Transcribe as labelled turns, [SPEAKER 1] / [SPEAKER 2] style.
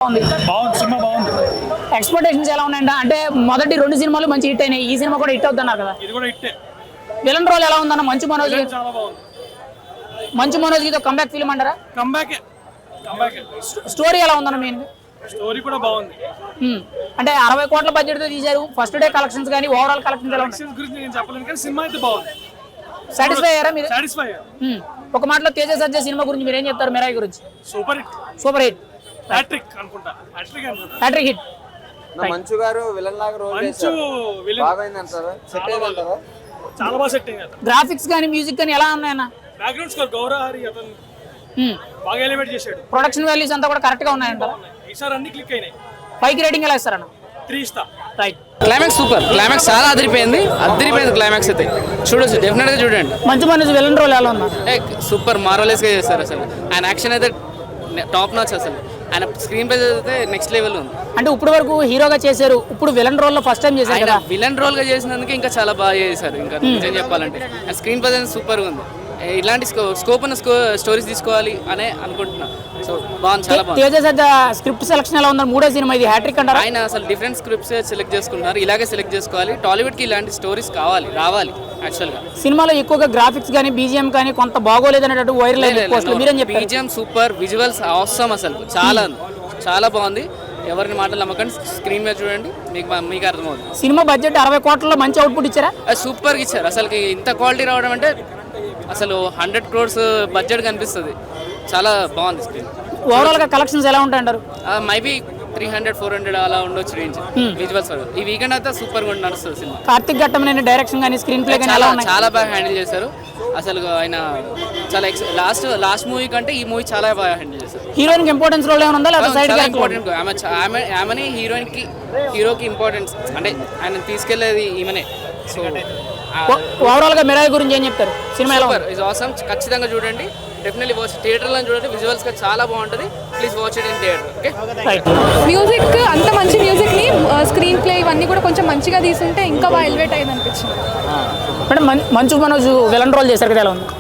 [SPEAKER 1] ఉంది?
[SPEAKER 2] బాగుంది, సినిమా బాగుంది.
[SPEAKER 1] ఎక్స్పెక్టేషన్స్ ఎలా ఉన్నాయంట? అంటే మొదటి 2 సినిమాలు మంచి హిట్ అయినాయి, ఈ సినిమా కూడా హిట్ అవుతున్నారు కదా.
[SPEAKER 2] ఇది కూడా హిట్టే.
[SPEAKER 1] విలన్ రోల్ ఎలా ఉందన్న మంచు మనోజ్?
[SPEAKER 2] చాలా బాగుంది.
[SPEAKER 1] మంచు మనోజ్ కి కంబ్యాక్ ఫిల్మ్ అంటారా?
[SPEAKER 2] కంబ్యాక్.
[SPEAKER 1] స్టోరీ ఎలా ఉందన్న? మెయిన్
[SPEAKER 2] స్టోరీ కూడా బాగుంది.
[SPEAKER 1] అంటే 60 కోట్ల బడ్జెట్ తో తీశారు. ఫస్ట్ డే కలెక్షన్స్ కానీ ఓవరాల్ కలెక్షన్స్ ఎలా ఉన్నాయి?
[SPEAKER 2] గురించి నేను చెప్పలేను కానీ సినిమా అయితే బాగుంది.
[SPEAKER 1] సాటిస్ఫై అయ్యారా మీరు?
[SPEAKER 2] సాటిస్ఫై.
[SPEAKER 1] ఒక మాటలో తేజ సజ్జా సినిమా గురించి మీరు ఏం చెప్తారు? మిరాయి గురించి
[SPEAKER 2] super hit.
[SPEAKER 1] Super hit,
[SPEAKER 2] hattrick అనుకుంటా.
[SPEAKER 1] Hattrick hit.
[SPEAKER 3] Manchu garu villain లాగా రోల్ చేశారు. బాగైంది అంటారా? సెట్ అయింది అంటారా?
[SPEAKER 2] చాలా బాగా సెట్ అయింది.
[SPEAKER 1] గ్రాఫిక్స్ కానీ మ్యూజిక్ కానీ ఎలా ఉన్నాయన్న?
[SPEAKER 2] బ్యాక్గ్రౌండ్ స్కోర్ గౌరహరి అతను బాగా ఎలివేట్ చేశాడు.
[SPEAKER 1] ప్రొడక్షన్ వాల్యూస్ అంతా కూడా కరెక్ట్ గా ఉన్నాయంటారా?
[SPEAKER 2] ఈసారి అన్ని క్లిక్ అయినాయి.
[SPEAKER 1] 5కి రేటింగ్ ఎలా ఇస్తారన్న?
[SPEAKER 2] 3 ఇస్తా.
[SPEAKER 1] రైట్.
[SPEAKER 4] Climax super. క్లైమాక్స్ చాలా అదిరిపోయింది క్లైమాక్స్ అయితే. చూడొచ్చు, డెఫినెట్ గా చూడండి.
[SPEAKER 1] మంచు మనోజ్ విలన్ రోల్ ఎలా ఉన్నా?
[SPEAKER 4] సూపర్ మార్వెలస్ గా చేస్తారు అసలు. ఆయన యాక్షన్ అయితే టాప్ నాచ్ అసలు. ఆయన స్క్రీన్ ప్లే అయితే నెక్స్ట్ లెవెల్ ఉంది.
[SPEAKER 1] అంటే ఇప్పుడు వరకు హీరోగా చేశారు, ఇప్పుడు విలన్ రోల్ లో ఫస్ట్ టైం చేశారు కదా.
[SPEAKER 4] విలన్ రోల్ గా చేసినందుకు ఇంకా చాలా బాగా చేశారు. ఇంకా నిజం చెప్పాలంటే ఆయన స్క్రీన్ ప్లే సూపర్ గా ఉంది. ఇలాంటి స్కోప్ ఉన్న స్టోరీస్ తీసుకోవాలి అనే అనుకుంటున్నా. సో బాగుంది, చాలా బాగుంది.
[SPEAKER 1] తేజ సజ్జా స్క్రిప్ట్ సెలక్షన్ ఎలా ఉందని? 3వ సినిమా ఇది హ్యాట్రిక్ అంటారా?
[SPEAKER 4] ఆయన అసలు డిఫరెంట్ స్క్రిప్ట్స్ సెలెక్ట్ చేసుకుంటున్నారు. ఇలాగే సెలెక్ట్ చేసుకోవాలి. టాలీవుడ్ కి ఇలాంటి స్టోరీస్ రావాలి యాక్చువల్ గా.
[SPEAKER 1] సినిమాలో ఎక్కువగా గ్రాఫిక్స్ కానీ బీజిఎం కానీ కొంత బాగోలేదనేటట్టు వైరల్ అయింది. మీరేం చెప్పారు?
[SPEAKER 4] బీజిఎం సూపర్, విజువల్స్ అవసరం అసలు. చాలా బాగుంది. ఎవరిని మాటలు నమ్మకండి, స్క్రీన్ మీద చూడండి, మీకు అర్థమవుతుంది.
[SPEAKER 1] సినిమా బడ్జెట్ 60 కోట్లలో మంచి అవుట్పుట్ ఇచ్చారా?
[SPEAKER 4] సూపర్గా ఇచ్చారు. అసలు ఇంత క్వాలిటీ రావడం అంటే అసలు 100 crores బడ్జెట్ కనిపిస్తుంది. చాలా బాగుంది స్క్రీన్.
[SPEAKER 1] ఓవరాల్ గా కలెక్షన్స్ ఎలా ఉంటాయంటారు?
[SPEAKER 4] మేబీ 300-400 అలా ఉండొచ్చు రేంజ్ విజువల్స్. ఈ వీకెండ్ అయితే సూపర్ గా నడుస్తుంది సినిమా.
[SPEAKER 1] కార్తిక్ ఘట్టమనేని డైరెక్షన్ కానీ స్క్రీన్ ప్లే కానీ
[SPEAKER 4] చాలా బాగా హ్యాండిల్ చేశారు అసలు. ఆయన చాలా లాస్ట్ మూవీ కంటే ఈ మూవీ చాలా బాగా హ్యాండిల్ చేశారు.
[SPEAKER 1] హీరోయిన్ కి ఇంపార్టెన్స్ రోల్ ఏమైనా ఉందా? లేదా సైడ్
[SPEAKER 4] ఇంపార్టెంట్. ఆమెని హీరోకి ఇంపార్టెన్స్ అంటే ఆయన తీసుకెళ్లేది ఈమెనే. సో
[SPEAKER 1] ఓవరాల్ గా మిరాయి గురించి ఏం చెప్తారు? Cinema
[SPEAKER 4] is awesome. ఖచ్చితంగా చూడండి, డెఫినెట్లీ వాచ్. థియేటర్లో చూడండి, విజువల్స్ గా చాలా బాగుంటుంది. Please watch it in theatre. Okay.
[SPEAKER 5] Music అంత మంచి మ్యూజిక్ ని స్క్రీన్ ప్లే ఇవన్నీ కూడా కొంచెం మంచిగా తీసుంటే ఇంకా బాగా ఎలివేట్ అయ్యింది అనిపించింది.
[SPEAKER 1] అంటే మంచు మనోజ్ విలన్ రోల్ చేశారు కదా, ఎలా ఉంది?